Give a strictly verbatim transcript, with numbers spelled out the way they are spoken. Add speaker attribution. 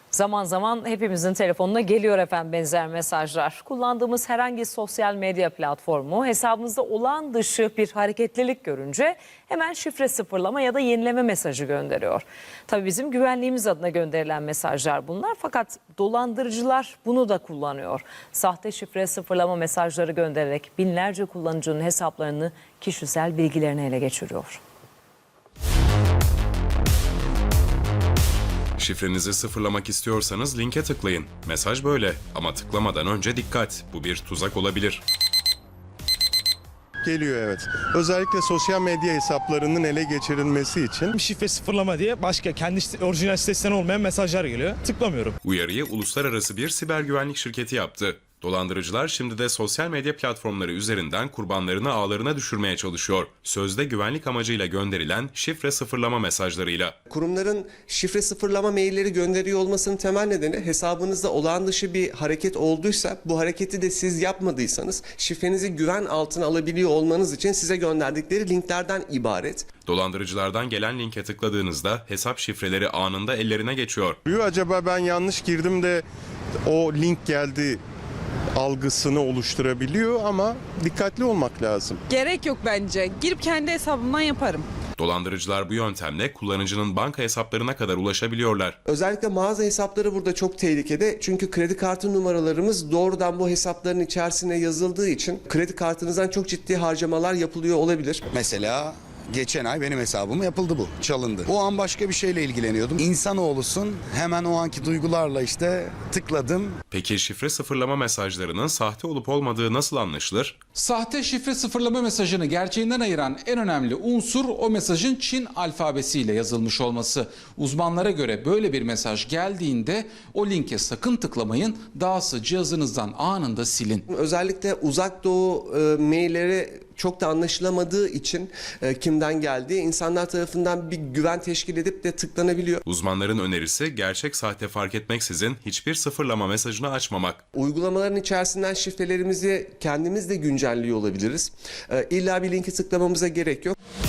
Speaker 1: Zaman zaman hepimizin telefonuna geliyor efendim benzer mesajlar. Kullandığımız herhangi sosyal medya platformu hesabımızda olağan dışı bir hareketlilik görünce hemen şifre sıfırlama ya da yenileme mesajı gönderiyor. Tabii bizim güvenliğimiz adına gönderilen mesajlar bunlar, fakat dolandırıcılar bunu da kullanıyor. Sahte şifre sıfırlama mesajları göndererek binlerce kullanıcının hesaplarını, kişisel bilgilerini ele geçiriyor.
Speaker 2: Şifrenizi sıfırlamak istiyorsanız linke tıklayın. Mesaj böyle ama tıklamadan önce dikkat. Bu bir tuzak olabilir.
Speaker 3: Geliyor, evet. Özellikle sosyal medya hesaplarının ele geçirilmesi için.
Speaker 4: Şifre sıfırlama diye başka kendi site- orijinal sitesinden olmayan mesajlar geliyor. Tıklamıyorum.
Speaker 2: Uyarıyı uluslararası bir siber güvenlik şirketi yaptı. Dolandırıcılar şimdi de sosyal medya platformları üzerinden kurbanlarını ağlarına düşürmeye çalışıyor. Sözde güvenlik amacıyla gönderilen şifre sıfırlama mesajlarıyla.
Speaker 5: Kurumların şifre sıfırlama mailleri gönderiyor olmasının temel nedeni, hesabınızda olağan dışı bir hareket olduysa, bu hareketi de siz yapmadıysanız şifrenizi güven altına alabiliyor olmanız için size gönderdikleri linklerden ibaret.
Speaker 2: Dolandırıcılardan gelen linke tıkladığınızda hesap şifreleri anında ellerine geçiyor.
Speaker 3: Acaba ben yanlış girdim de o link geldi algısını oluşturabiliyor ama dikkatli olmak lazım.
Speaker 6: Gerek yok bence. Girip kendi hesabımdan yaparım.
Speaker 2: Dolandırıcılar bu yöntemle kullanıcının banka hesaplarına kadar ulaşabiliyorlar.
Speaker 5: Özellikle mağaza hesapları burada çok tehlikede. Çünkü kredi kartı numaralarımız doğrudan bu hesapların içerisine yazıldığı için kredi kartınızdan çok ciddi harcamalar yapılıyor olabilir.
Speaker 7: Mesela geçen ay benim hesabım yapıldı bu. Çalındı. O an başka bir şeyle ilgileniyordum. İnsanoğlusun, hemen o anki duygularla işte tıkladım.
Speaker 2: Peki şifre sıfırlama mesajlarının sahte olup olmadığı nasıl anlaşılır?
Speaker 8: Sahte şifre sıfırlama mesajını gerçeğinden ayıran en önemli unsur o mesajın Çin alfabesiyle yazılmış olması. Uzmanlara göre böyle bir mesaj geldiğinde o linke sakın tıklamayın, dahası cihazınızdan anında silin.
Speaker 5: Özellikle uzak doğu e, mailleri çok da anlaşılamadığı için e, kimden geldiği insanlar tarafından bir güven teşkil edip de tıklanabiliyor.
Speaker 2: Uzmanların önerisi gerçek sahte fark etmeksizin hiçbir sıfırlama mesajını açmamak.
Speaker 5: Uygulamaların içerisinden şifrelerimizi kendimiz de güncelliyor olabiliriz. E, illa bir linki tıklamamıza gerek yok.